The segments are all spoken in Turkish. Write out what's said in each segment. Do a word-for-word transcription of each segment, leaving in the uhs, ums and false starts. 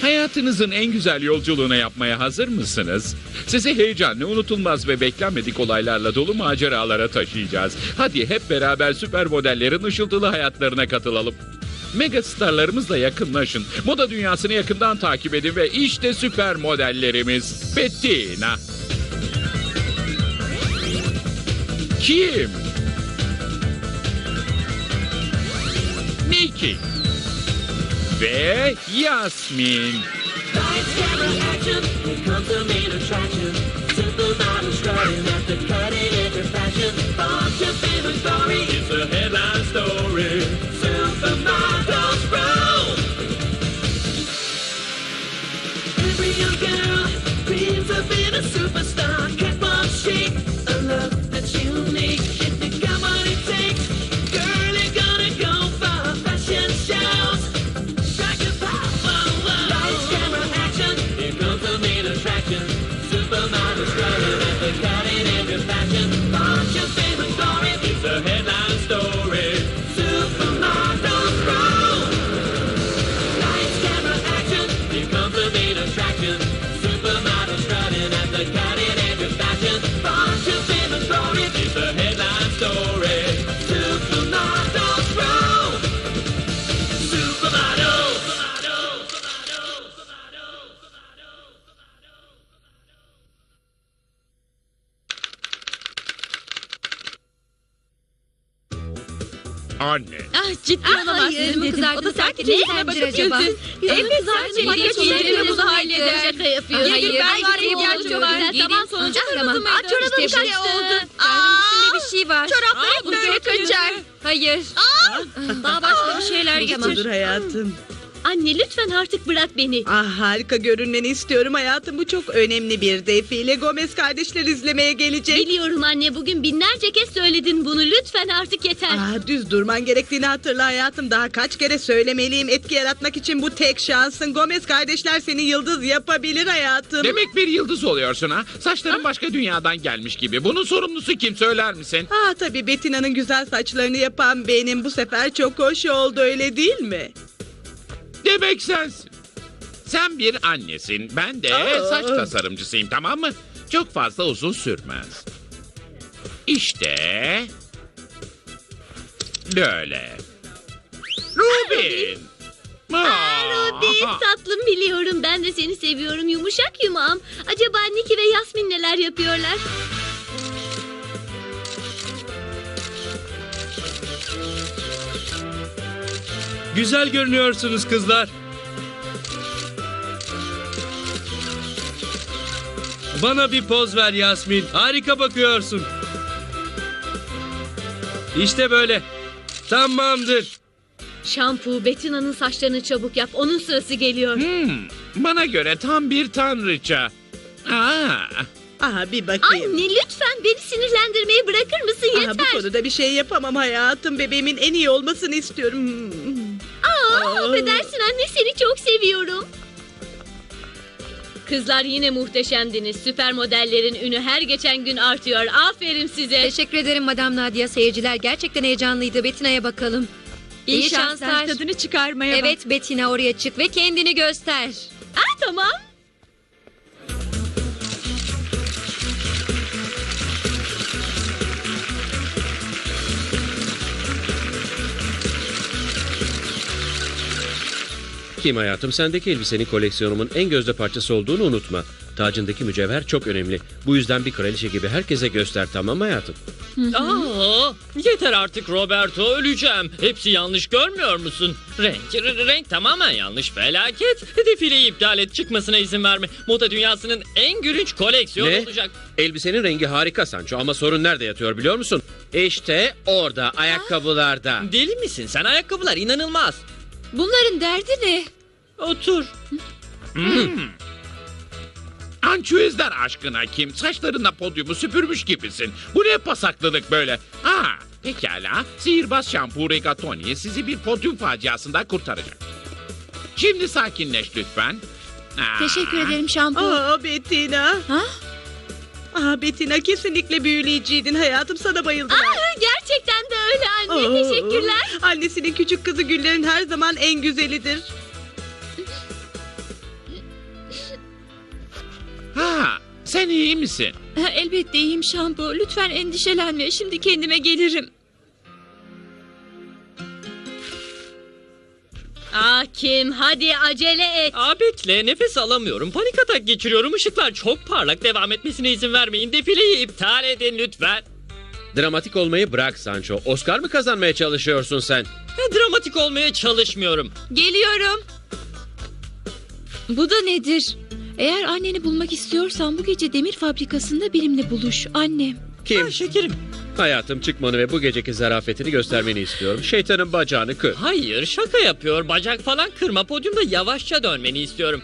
Hayatınızın en güzel yolculuğuna yapmaya hazır mısınız? Sizi heyecanlı, unutulmaz ve beklenmedik olaylarla dolu maceralara taşıyacağız. Hadi hep beraber süper modellerin ışıltılı hayatlarına katılalım. Mega starlarımızla yakınlaşın. Moda dünyasını yakından takip edin ve işte süper modellerimiz. Bettina. Kim? Nikki. Ve Yasmin. Lights, camera, action, here comes the main attraction. Supermodels strutting at the cutting edge of fashion. Launch your favorite story, it's a headline story. Supermodels roll. Every young girl dreams of being a superstar. Catwalk chic, a look that's unique. If you got what it takes, girl, you're gonna go far. Fashion shows. Supermodels strutting at the cutting edge of fashion. Launch your favorite story, it's a headline story. Supermodels roll. Lights, camera, action, here comes the main attraction. Supermodels strutting at the cutting edge of fashion. Launch your favorite story, it's a headline story. Supermodels roll. Supermodels. Anne. Ah ciddi Ah, olamazsın hayır dedim. dedim. O da sanki Ne yüzüne yapabilir bakıp acaba? güldü. Yüzünü Evet kızartacak sadece makyaj makyaj iyice bunu bunu halleder. Şaka yapıyor. Hayır, Hayır, ben ben gideyim var ihtiyacım ihtiyacım var. var. Tamam, sonucu Tamam. hızlı Aa, çorabım İşte şey bu. oldu. Kalbimin Aa, içinde bir şey var. çoraplarım Aa, bu böyle çok kaçar. kötü. Hayır. Daha başka bir şeyler Tamamdır getir. hayatım. Anne lütfen artık bırak beni. Ah harika görünmeni istiyorum hayatım. Bu çok önemli bir defile. Gomez kardeşler izlemeye gelecek. Biliyorum anne, bugün binlerce kez söyledin bunu. Lütfen artık yeter. Ah, düz durman gerektiğini hatırla hayatım. Daha kaç kere söylemeliyim. Etki yaratmak için bu tek şansın. Gomez kardeşler seni yıldız yapabilir hayatım. Demek bir yıldız oluyorsun ha? Saçların başka dünyadan gelmiş gibi. Bunun sorumlusu kim, söyler misin? Ah tabii Bettina'nın güzel saçlarını yapan benim. Bu sefer çok hoş oldu, öyle değil mi? Demek sensin. Sen bir annesin. Ben de Aa. saç tasarımcısıyım, tamam mı? Çok fazla uzun sürmez. İşte... Böyle. Rubin. Aa, Robin tatlım, biliyorum. Ben de seni seviyorum. Yumuşak yumağım. Acaba Niki ve Yasmin neler yapıyorlar? Güzel görünüyorsunuz kızlar. Bana bir poz ver Yasmin. Harika bakıyorsun. İşte böyle. Tamamdır. Şampu, Bettina'nın saçlarını çabuk yap. Onun sırası geliyor. Hmm, bana göre tam bir tanrıça. Aa, Ah bir bakayım. Anne lütfen beni sinirlendirmeyi bırakır mısın? Ah, Yeter. bu konuda bir şey yapamam hayatım. Bebeğimin en iyi olmasını istiyorum. Hmm. Aa, Aa. affedersin anne, seni çok seviyorum. Kızlar yine muhteşemdiniz. Süper modellerin ünü her geçen gün artıyor. Aferin size. Teşekkür ederim Madam Nadia. Seyirciler gerçekten heyecanlıydı. Bettina'ya bakalım. İyi, İyi şanslar. Tadını çıkarmaya bak. Evet Bettina, oraya çık ve kendini göster. Aa, tamam. Kim hayatım, sendeki elbisenin koleksiyonumun en gözde parçası olduğunu unutma. Tacındaki mücevher çok önemli. Bu yüzden bir kraliçe gibi herkese göster, tamam hayatım? Aa, yeter artık Roberto, öleceğim. Hepsi yanlış, görmüyor musun? Renk, r- renk tamamen yanlış, felaket. Defileyi iptal et, çıkmasına izin verme. Moda dünyasının en gülünç koleksiyonu Ne? olacak. Elbisenin rengi harika Sancho ama sorun nerede yatıyor biliyor musun? İşte orada, ayakkabılarda. Deli misin sen? Ayakkabılar inanılmaz. Bunların derdi ne? Otur. ançüezler aşkına Kim. Saçlarınla podyumu süpürmüş gibisin. Bu ne pasaklılık böyle? Aa, pekala. Sihirbaz şampu Rigatoni sizi bir podyum faciasından kurtaracak. Şimdi sakinleş lütfen. Aa. Teşekkür ederim şampu. Aa Bettina. Ha? Ah Bettina, kesinlikle büyüleyiciydin hayatım, sana bayıldım. Aa, gerçekten de öyle anne. Aa, Teşekkürler. Annesinin küçük kızı Güllerin her zaman en güzelidir. Sen iyi misin? Ha, elbette iyiyim Şampu. Lütfen endişelenme. Şimdi kendime gelirim. Ah Kim, hadi acele et. Aa bekle, nefes alamıyorum. Panik atak geçiriyorum. Işıklar çok parlak. Devam etmesine izin vermeyin. Defileyi iptal edin lütfen. Dramatik olmayı bırak Sancho. Oscar mı kazanmaya çalışıyorsun sen? Ben dramatik olmaya çalışmıyorum. Geliyorum. Bu da nedir? Eğer anneni bulmak istiyorsan bu gece demir fabrikasında benimle buluş. Annem. Kim? Ha, şekerim. Hayatım, çıkmanı ve bu geceki zarafetini göstermeni istiyorum. Şeytanın bacağını kır. Hayır, şaka yapıyor. Bacak falan kırma. Podyumda yavaşça dönmeni istiyorum.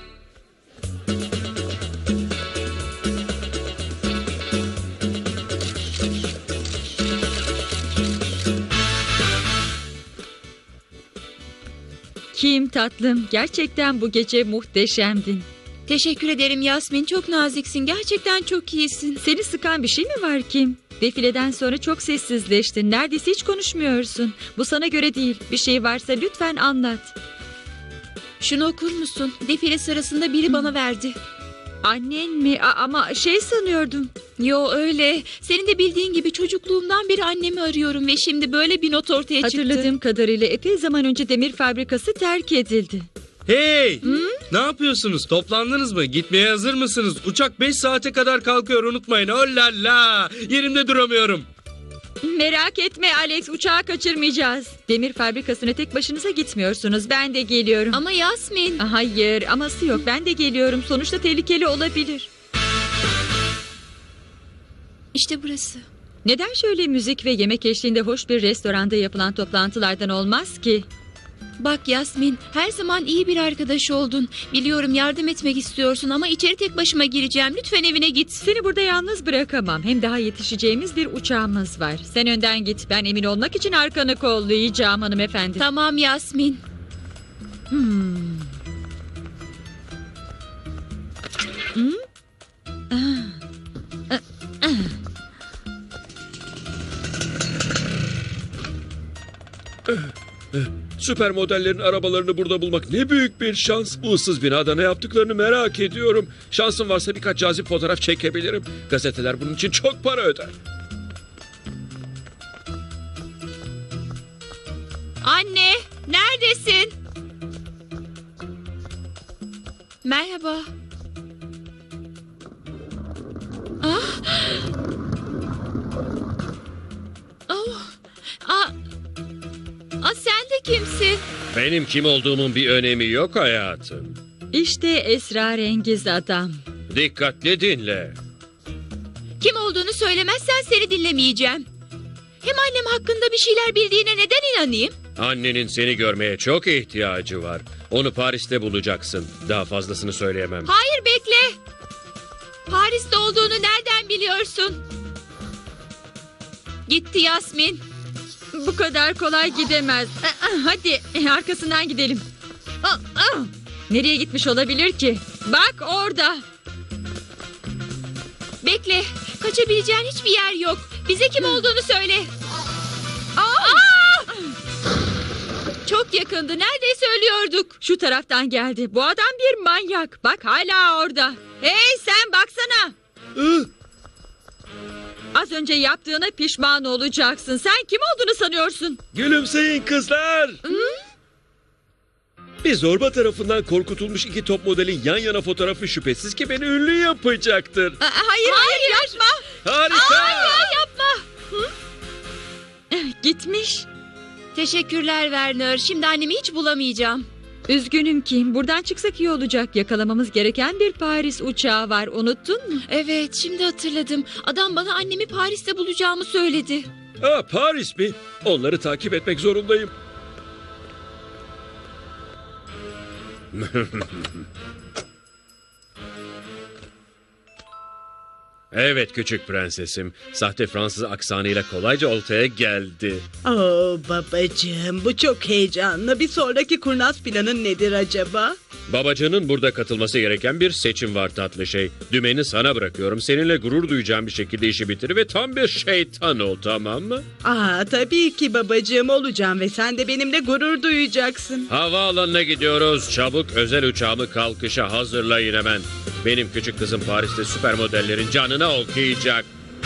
Kim tatlım? Gerçekten bu gece muhteşemdin. Teşekkür ederim Yasmin. Çok naziksin. Gerçekten çok iyisin. Seni sıkan bir şey mi var Kim? Defileden sonra çok sessizleştin. Neredeyse hiç konuşmuyorsun. Bu sana göre değil. Bir şey varsa lütfen anlat. Şunu okur musun? Defile sırasında biri bana verdi. Annen mi? A- ama şey sanıyordum. Yo öyle. Senin de bildiğin gibi çocukluğumdan beri annemi arıyorum ve şimdi böyle bir not ortaya çıktı. Hatırladığım kadarıyla epey zaman önce demir fabrikası terk edildi. Hey! Ne yapıyorsunuz? Toplandınız mı? Gitmeye hazır mısınız? Uçak beş saate kadar kalkıyor, unutmayın. Oh la la! Yerimde duramıyorum. Merak etme Alex, uçağı kaçırmayacağız. Demir fabrikasına tek başınıza gitmiyorsunuz. Ben de geliyorum. Ama Yasmin. Hayır, aması yok. Ben de geliyorum. Sonuçta tehlikeli olabilir. İşte burası. Neden şöyle müzik ve yemek eşliğinde hoş bir restoranda yapılan toplantılardan olmaz ki? Bak Yasmin, her zaman iyi bir arkadaş oldun. Biliyorum yardım etmek istiyorsun ama içeri tek başıma gireceğim. Lütfen evine git. Seni burada yalnız bırakamam. Hem daha yetişeceğimiz bir uçağımız var. Sen önden git. Ben emin olmak için arkanı kollayacağım hanımefendi. Tamam Yasmin. Hmm. Hmm? Ah. Ah. Ah. Süper modellerin arabalarını burada bulmak ne büyük bir şans. Bu ıssız binada ne yaptıklarını merak ediyorum. Şansım varsa birkaç cazip fotoğraf çekebilirim. Gazeteler bunun için çok para öder. Anne, neredesin? Merhaba. Ah. Oh. Ah. Ah, sen de kimsin? Benim kim olduğumun bir önemi yok hayatım. İşte esrarengiz adam. Dikkatli dinle. Kim olduğunu söylemezsen seni dinlemeyeceğim. Hem annem hakkında bir şeyler bildiğine neden inanayım? Annenin seni görmeye çok ihtiyacı var. Onu Paris'te bulacaksın. Daha fazlasını söyleyemem. Hayır bekle. Paris'te olduğunu nereden biliyorsun? Gitti Yasmin. Bu kadar kolay gidemez. Hadi arkasından gidelim. Nereye gitmiş olabilir ki? Bak orada. Bekle. Kaçabileceğin hiçbir yer yok. Bize kim olduğunu söyle. Aa! Çok yakındı. Neredeyse ölüyorduk. Şu taraftan geldi. Bu adam bir manyak. Bak hala orada. Hey sen baksana. Az önce yaptığına pişman olacaksın. Sen kim olduğunu sanıyorsun? Gülümseyin kızlar. Bir zorba tarafından korkutulmuş iki top modelin yan yana fotoğrafı şüphesiz ki beni ünlü yapacaktır. Aa, hayır, hayır yapma. Harika. Hayır yapma. Hı? Gitmiş. Teşekkürler Werner. Şimdi annemi hiç bulamayacağım. Üzgünüm Kim. Buradan çıksak iyi olacak. Yakalamamız gereken bir Paris uçağı var. Unuttun mu? Evet, şimdi hatırladım. Adam bana annemi Paris'te bulacağımı söyledi. Aa, Paris mi? Onları takip etmek zorundayım. Evet küçük prensesim. Sahte Fransız aksanıyla kolayca oltaya geldi. Oo babacığım, bu çok heyecanlı. Bir sonraki kurnaz planın nedir acaba? Babacanın burada katılması gereken bir seçim var tatlı şey. Dümeni sana bırakıyorum. Seninle gurur duyacağım bir şekilde işi bitir ve tam bir şeytan ol, tamam mı? Aa tabii ki babacığım, olacağım ve sen de benimle gurur duyacaksın. Havaalanına gidiyoruz. Çabuk özel uçağımı kalkışa hazırlayın hemen. Benim küçük kızım Paris'te süper modellerin canına okuyacak.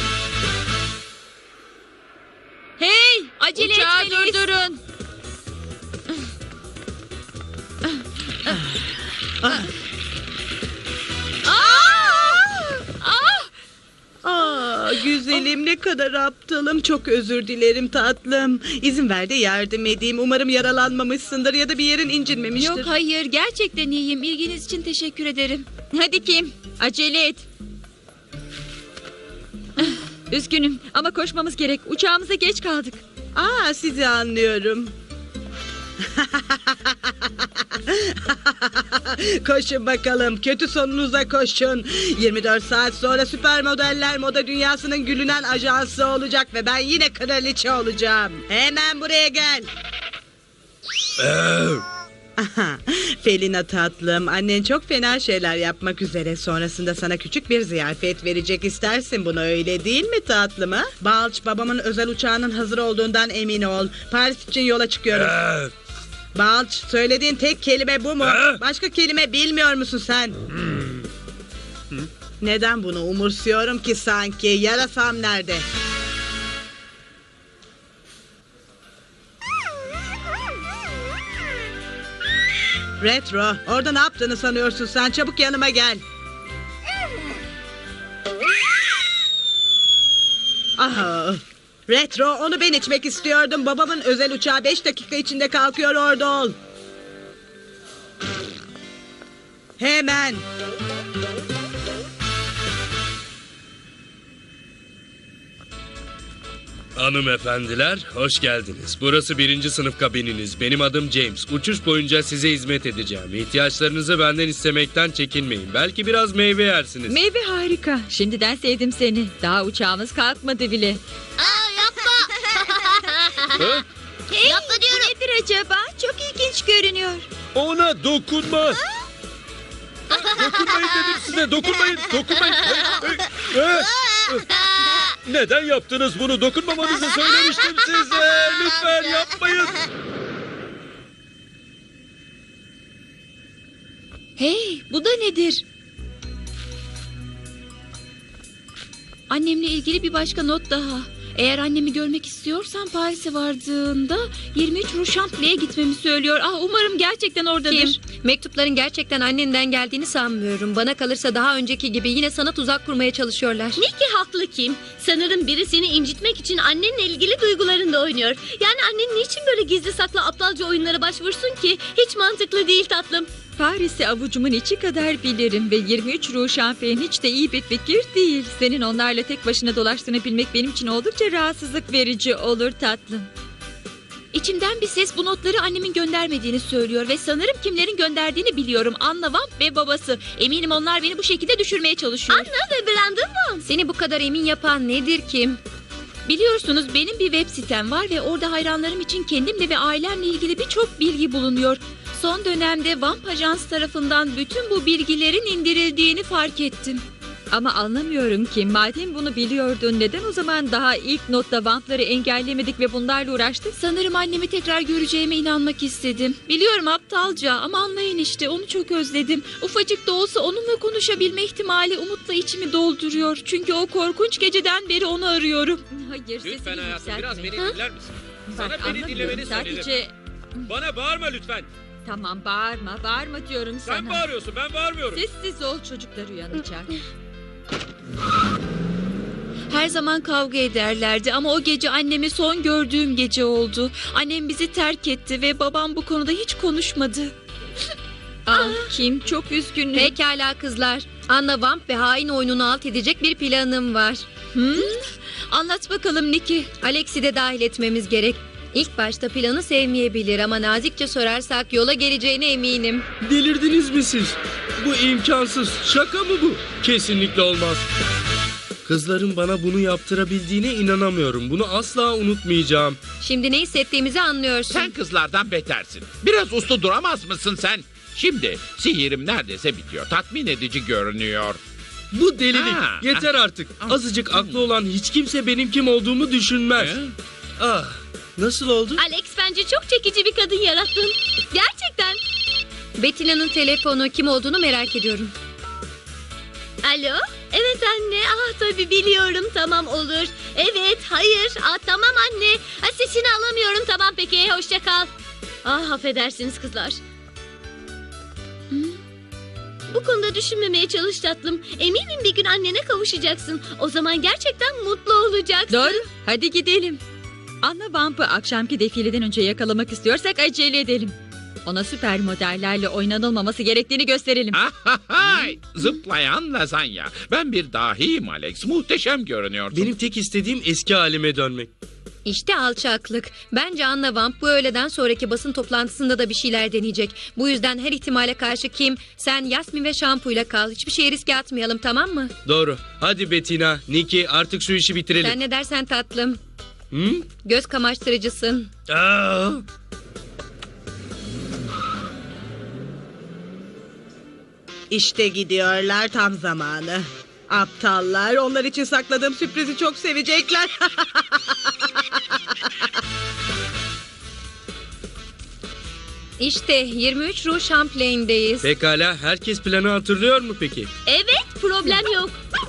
Hey, acele Uçağı etmeliyiz. durdurun. Aa, güzelim ne kadar aptalım. Çok özür dilerim tatlım. İzin ver de yardım edeyim. Umarım yaralanmamışsındır ya da bir yerin incinmemiştir. Yok hayır, gerçekten iyiyim. İlginiz için teşekkür ederim. Hadi Kim, acele et. Üzgünüm ama koşmamız gerek. Uçağımıza geç kaldık. Aa, sizi anlıyorum. Koşun bakalım. Kötü sonunuza koşun. yirmi dört saat sonra süper modeller moda dünyasının gülünen ajansı olacak ve ben yine kraliçe olacağım. Hemen buraya gel. Aha, Felina tatlım, annen çok fena şeyler yapmak üzere. Sonrasında sana küçük bir ziyafet verecek. İstersin bunu, öyle değil mi tatlım ha? Balç, babamın özel uçağının hazır olduğundan emin ol. Paris için yola çıkıyoruz. Balç, söylediğin tek kelime bu mu? Başka kelime bilmiyor musun sen? Neden bunu umursuyorum ki sanki? Yarasam nerede? Retro, orada ne yaptığını sanıyorsun sen? Çabuk yanıma gel. Aha. Retro, onu ben içmek istiyordum. Babamın özel uçağı beş dakika içinde kalkıyor, orada ol. Hemen. Hanımefendiler, hoş geldiniz. Burası birinci sınıf kabininiz. Benim adım James. Uçuş boyunca size hizmet edeceğim. İhtiyaçlarınızı benden istemekten çekinmeyin. Belki biraz meyve yersiniz. Meyve harika. Şimdiden sevdim seni. Daha uçağımız kalkmadı bile. Aa, yapma. Hey, Yapma diyorum. bu nedir acaba? Çok ilginç görünüyor. Ona dokunma. Dokunmayın dedim size. Dokunmayın. Dokunmayın. Hey, hey, hey. Neden yaptınız bunu? Dokunmamanızı söylemiştim size. Lütfen yapmayın. Hey, bu da nedir? Annemle ilgili bir başka not daha. Eğer annemi görmek istiyorsan Paris'e vardığında yirmi üç Rue Chample'ye gitmemi söylüyor. Ah, umarım gerçekten oradadır. Kim? Mektupların gerçekten annenden geldiğini sanmıyorum. Bana kalırsa daha önceki gibi yine sana tuzak kurmaya çalışıyorlar. Nicky haklı Kim. Sanırım biri seni incitmek için annenle ilgili duygularında oynuyor. Yani annen niçin böyle gizli saklı aptalca oyunlara başvursun ki? Hiç mantıklı değil tatlım. Paris'i avucumun içi kadar bilirim ve yirmi üç Rue Chample'in hiç de iyi bir fikir değil. Senin onlarla tek başına dolaştığını bilmek benim için oldukça rahatsızlık verici olur tatlım. İçimden bir ses bu notları annemin göndermediğini söylüyor ve sanırım kimlerin gönderdiğini biliyorum. Anna Vamp ve babası. Eminim onlar beni bu şekilde düşürmeye çalışıyor. Anna ve Brandon Vamp. Seni bu kadar emin yapan nedir Kim? Biliyorsunuz benim bir web sitem var ve orada hayranlarım için kendimle ve ailemle ilgili birçok bilgi bulunuyor. Son dönemde Vamp Ajans tarafından bütün bu bilgilerin indirildiğini fark ettim. Ama anlamıyorum ki madem bunu biliyordun neden o zaman daha ilk notta Vamp'ları engellemedik ve bunlarla uğraştık? Sanırım annemi tekrar göreceğime inanmak istedim. Biliyorum aptalca ama anlayın işte onu çok özledim. Ufacık da olsa onunla konuşabilme ihtimali umutla içimi dolduruyor. Çünkü o korkunç geceden beri onu arıyorum. Hayır sesini Lütfen hayatım yükseltme. biraz beni Ha? dinler misin? Bak, Sana beni anlamıyorum. dinlemeni söyledim. Sadece... Bana bağırma lütfen. Tamam bağırma bağırma diyorum sana. Sen bağırıyorsun, ben bağırmıyorum. Sessiz ol, çocuklar uyanacak. Her zaman kavga ederlerdi ama o gece annemi son gördüğüm gece oldu. Annem bizi terk etti ve babam bu konuda hiç konuşmadı. Ah Kim, çok üzgünüm. Pekala kızlar. Anna Vamp ve hain oyununu alt edecek bir planım var. Hmm? Anlat bakalım Nicky. Alex'i de dahil etmemiz gerek. İlk başta planı sevmeyebilir ama nazikçe sorarsak yola geleceğine eminim. Delirdiniz mi siz? Bu imkansız. Şaka mı bu? Kesinlikle olmaz. Kızların bana bunu yaptırabildiğine inanamıyorum. Bunu asla unutmayacağım. Şimdi ne hissettiğimizi anlıyorsun. Sen kızlardan betersin. Biraz uslu duramaz mısın sen? Şimdi sihirim neredeyse bitiyor. Tatmin edici görünüyor. Bu delilik. Ha, Yeter artık. Azıcık aklı olan hiç kimse benim kim olduğumu düşünmez. He? Ah, nasıl oldu? Alex bence çok çekici bir kadın yarattın. Gerçekten. Bettina'nın telefonu kim olduğunu merak ediyorum. Alo? Evet anne. Ah tabii biliyorum. Tamam olur. Evet, hayır. Ah tamam anne. Ha, sesini alamıyorum. Tamam peki. Hoşça kal. Ah affedersiniz kızlar. Hı? Bu konuda düşünmemeye çalış tatlım. Eminim bir gün annene kavuşacaksın. O zaman gerçekten mutlu olacaksın. Doğru. Hadi gidelim. Anna Vamp'ı akşamki defileden önce yakalamak istiyorsak acele edelim. Ona süper modellerle oynanılmaması gerektiğini gösterelim. Ahahay! Zıplayan lazanya. Ben bir dahiyim Alex. Muhteşem görünüyorsun. Benim tek istediğim eski halime dönmek. İşte alçaklık. Bence Anna Vamp bu öğleden sonraki basın toplantısında da bir şeyler deneyecek. Bu yüzden her ihtimale karşı Kim, sen Yasmin ve şampuyla kal. Hiçbir şeye riske atmayalım, tamam mı? Doğru. Hadi Bettina, Nikki artık şu işi bitirelim. Sen ne dersen tatlım. Hı? Göz kamaştırıcısın. Aa! İşte gidiyorlar, tam zamanı. Aptallar, onlar için sakladığım sürprizi çok sevecekler. İşte yirmi üç Rue Champlain'deyiz. Pekala, herkes planı hatırlıyor mu peki? Evet, problem yok.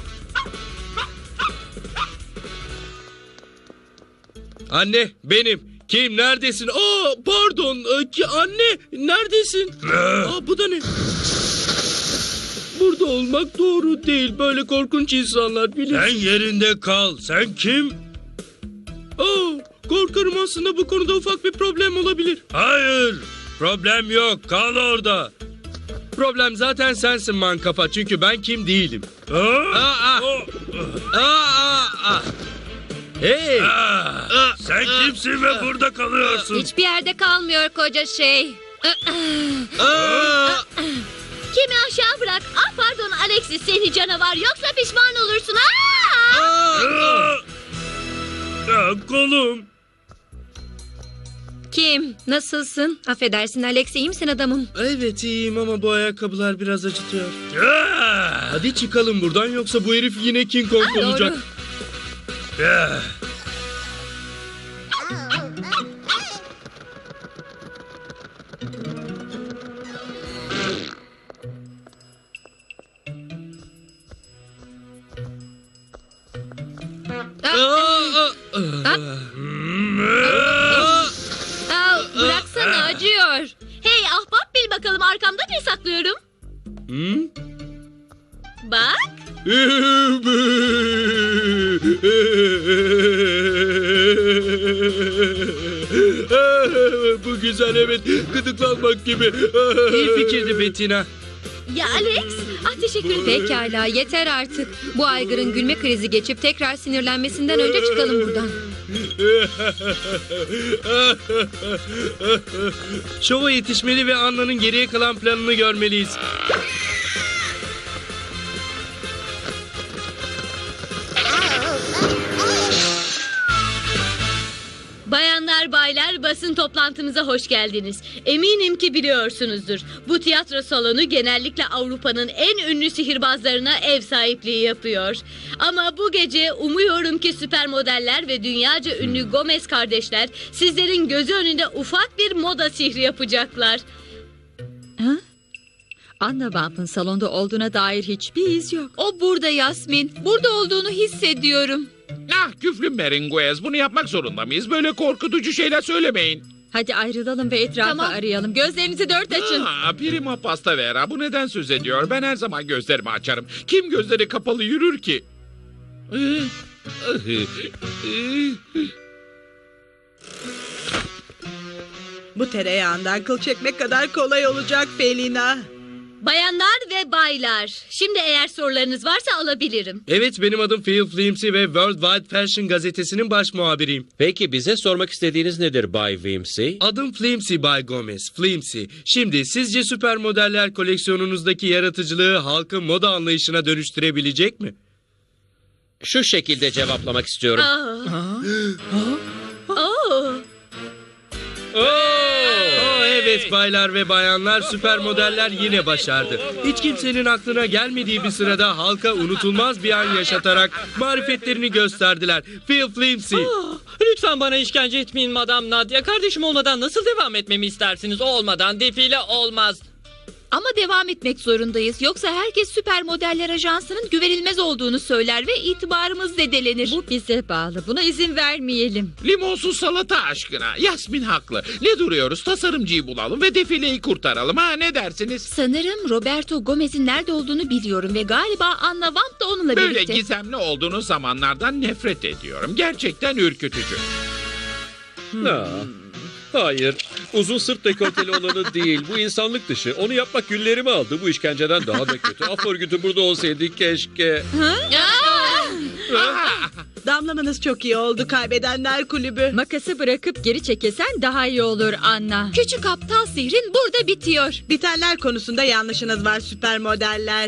Anne, benim. Kim, neredesin? Aa, pardon. Ee, Ki, anne, neredesin? Aa, bu da ne? Burada olmak doğru değil. Böyle korkunç insanlar bilir. Sen yerinde kal. Sen kim? Aa, korkarım aslında bu konuda ufak bir problem olabilir. Hayır. Problem yok. Kal orada. Problem zaten sensin man kafa. Çünkü ben kim değilim. Aa, aa, aa, aa, aa. Hey. Aa, sen kimsin ve burada kalıyorsun? Hiçbir yerde kalmıyor koca şey. Aa. Kimi aşağı bırak. Ah pardon Alexis seni canavar yoksa pişman olursun. Aa! Aa. Aa, kolum. Kim? Nasılsın? Affedersin Alex, iyi misin adamım? Evet iyiyim ama bu ayakkabılar biraz acıtıyor. Hadi çıkalım buradan yoksa bu herif yine King Kong Doğru. olacak. Aa, aa, bıraksana, acıyor. Hey ahbap bil bakalım arkamda ne saklıyorum? Hmm? Bak. Bu güzel evet. Gıdıklanmak gibi. İyi fikirdi Bettina. Ya Alex. Ah teşekkür ederim. Pekala, yeter artık. Bu aygırın gülme krizi geçip tekrar sinirlenmesinden önce çıkalım buradan. Şova yetişmeli ve Anna'nın geriye kalan planını görmeliyiz. Bayanlar baylar basın toplantımıza hoş geldiniz. Eminim ki biliyorsunuzdur. Bu tiyatro salonu genellikle Avrupa'nın en ünlü sihirbazlarına ev sahipliği yapıyor. Ama bu gece umuyorum ki süper modeller ve dünyaca ünlü Gomez kardeşler sizlerin gözü önünde ufak bir moda sihri yapacaklar. Ha? Anna Vamp'ın salonda olduğuna dair hiçbir iz yok. O burada Yasmin. Burada olduğunu hissediyorum. Ah küflü Meringuez, bunu yapmak zorunda mıyız? Böyle korkutucu şeyler söylemeyin. Hadi ayrılalım ve etrafı Tamam. arayalım. Gözlerinizi dört açın. Aa, prima pasta vera, bu neden söz ediyor? Ben her zaman gözlerimi açarım. Kim gözleri kapalı yürür ki? Bu tereyağından kıl çekmek kadar kolay olacak Felina. Bayanlar ve baylar, şimdi eğer sorularınız varsa alabilirim. Evet benim adım Phil Flimsy ve World Wide Fashion gazetesinin baş muhabiriyim. Peki bize sormak istediğiniz nedir Bay Wimsey? Adım Flimsy Bay Gomez. Flimsy. Şimdi sizce süper modeller koleksiyonunuzdaki yaratıcılığı halkın moda anlayışına dönüştürebilecek mi? Şu şekilde cevaplamak istiyorum. Aa. Oo. Oo, evet baylar ve bayanlar süper modeller yine başardı. Hiç kimsenin aklına gelmediği bir sırada halka unutulmaz bir an yaşatarak marifetlerini gösterdiler. Phil Flimsy. Ah, lütfen bana işkence etmeyin Madam Nadia. Kardeşim olmadan nasıl devam etmemi istersiniz? O olmadan defile olmaz. Ama devam etmek zorundayız. Yoksa herkes Süper Modeller Ajansı'nın güvenilmez olduğunu söyler ve itibarımız zedelenir. Bu bize bağlı. Buna izin vermeyelim. Limonsuz salata aşkına. Yasmin haklı. Ne duruyoruz? Tasarımcıyı bulalım ve defileyi kurtaralım. Ha, ne dersiniz? Sanırım Roberto Gomez'in nerede olduğunu biliyorum ve galiba Anna Vamp da onunla Böyle birlikte. gizemli olduğunuz zamanlardan nefret ediyorum. Gerçekten ürkütücü. Ha, hayır. Uzun sırt dekolteli olanı değil. Bu insanlık dışı. Onu yapmak günlerimi aldı. Bu işkenceden daha da kötü. Af örgütü burada olsaydı keşke. Damlamanız çok iyi oldu, kaybedenler kulübü. Makası bırakıp geri çekilsen daha iyi olur Anna. Küçük aptal sihrin burada bitiyor. Bitenler konusunda yanlışınız var süper modeller.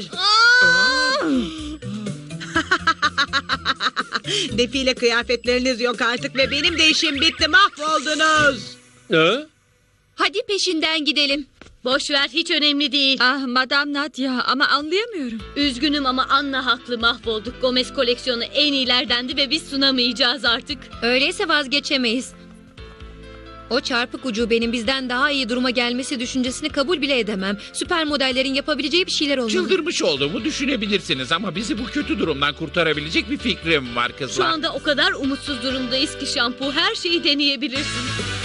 Defile kıyafetleriniz yok artık ve benim de işim bitti, mahvoldunuz. Ha? Hadi peşinden gidelim. Boş ver, hiç önemli değil. Ah Madame Nadia, ama anlayamıyorum. Üzgünüm ama Anna haklı, mahvolduk. Gomez koleksiyonu en iyilerdendi ve biz sunamayacağız artık. Öyleyse vazgeçemeyiz. O çarpık ucubenin bizden daha iyi duruma gelmesi düşüncesini kabul bile edemem. Süper modellerin yapabileceği bir şeyler olmalı. Çıldırmış olduğumu düşünebilirsiniz ama bizi bu kötü durumdan kurtarabilecek bir fikrim var Şu kızlar. anda o kadar umutsuz durumdayız ki şampu, her şeyi deneyebilirsin.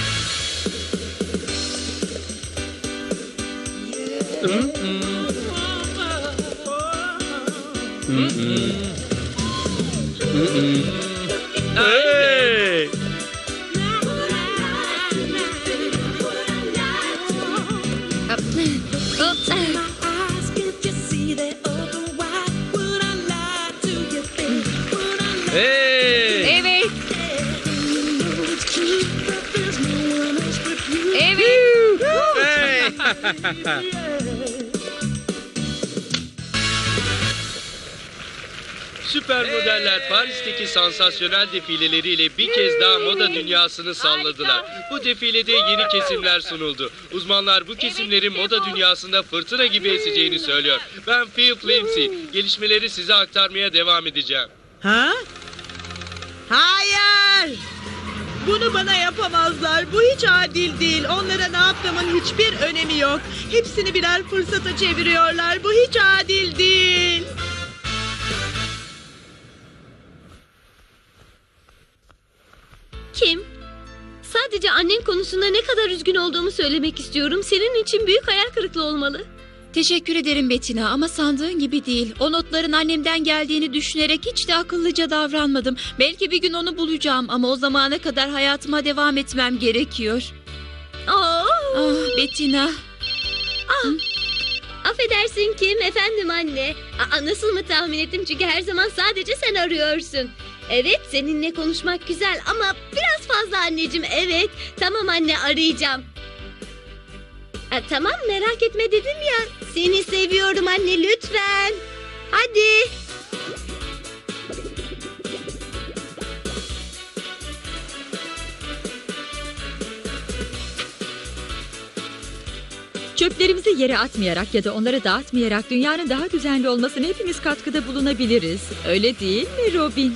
Hey! Hey! Evet. Evet. Hey! Süper modeller Paris'teki sansasyonel defileleriyle bir kez daha moda dünyasını salladılar. Bu defilede yeni kesimler sunuldu. Uzmanlar bu kesimlerin moda dünyasında fırtına gibi eseceğini söylüyor. Ben Phil Lindsay. Gelişmeleri size aktarmaya devam edeceğim. Ha? Hayır! Bunu bana yapamazlar. Bu hiç adil değil. Onlara ne yaptığımın hiçbir önemi yok. Hepsini birer fırsata çeviriyorlar. Bu hiç adil değil. Kim? Sadece annen konusunda ne kadar üzgün olduğumu söylemek istiyorum. Senin için büyük hayal kırıklığı olmalı. Teşekkür ederim Bettina ama sandığın gibi değil. O notların annemden geldiğini düşünerek hiç de akıllıca davranmadım. Belki bir gün onu bulacağım ama o zamana kadar hayatıma devam etmem gerekiyor. Aa, Ah Bettina. affedersin Kim, efendim anne. Aa, nasıl mı tahmin ettim, çünkü her zaman sadece sen arıyorsun. Evet, seninle konuşmak güzel ama biraz fazla anneciğim, evet. Tamam anne, arayacağım. Ha, tamam, merak etme dedim ya. Seni seviyorum anne, lütfen. Hadi. Çöplerimizi yere atmayarak ya da onları dağıtmayarak dünyanın daha düzenli olmasına hepimiz katkıda bulunabiliriz. Öyle değil mi Robin?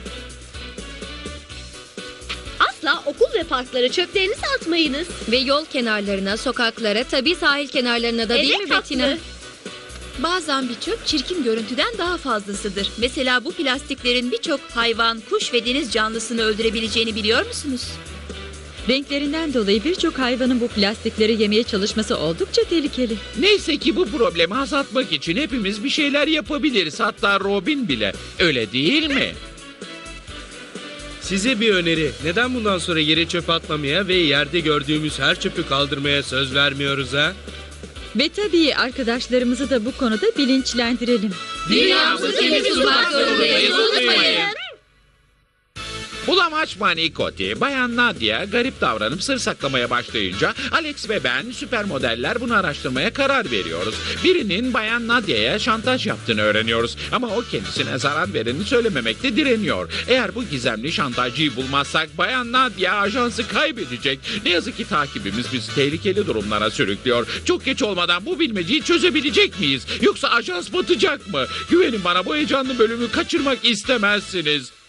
Asla okul ve parklara çöplerinizi atmayınız. Ve yol kenarlarına, sokaklara, tabii sahil kenarlarına da, değil Evet, mi Bettina? haklı. Bazen bir çöp çirkin görüntüden daha fazlasıdır. Mesela bu plastiklerin birçok hayvan, kuş ve deniz canlısını öldürebileceğini biliyor musunuz? Renklerinden dolayı birçok hayvanın bu plastikleri yemeye çalışması oldukça tehlikeli. Neyse ki bu problemi azaltmak için hepimiz bir şeyler yapabiliriz. Hatta Robin bile. Öyle değil mi? Size bir öneri. Neden bundan sonra yere çöp atmamaya ve yerde gördüğümüz her çöpü kaldırmaya söz vermiyoruz ha? Ve tabii arkadaşlarımızı da bu konuda bilinçlendirelim. Dünyamızı temiz tutmak zorundayız, unutmayın. Bulamaç Manikoti, Bayan Nadia garip davranıp sır saklamaya başlayınca Alex ve ben süper modeller bunu araştırmaya karar veriyoruz. Birinin Bayan Nadia'ya şantaj yaptığını öğreniyoruz ama o kendisine zarar vereni söylememekte direniyor. Eğer bu gizemli şantajcıyı bulmazsak Bayan Nadia ajansı kaybedecek. Ne yazık ki takibimiz bizi tehlikeli durumlara sürüklüyor. Çok geç olmadan bu bilmeceyi çözebilecek miyiz? Yoksa ajans batacak mı? Güvenin bana, bu heyecanlı bölümü kaçırmak istemezsiniz.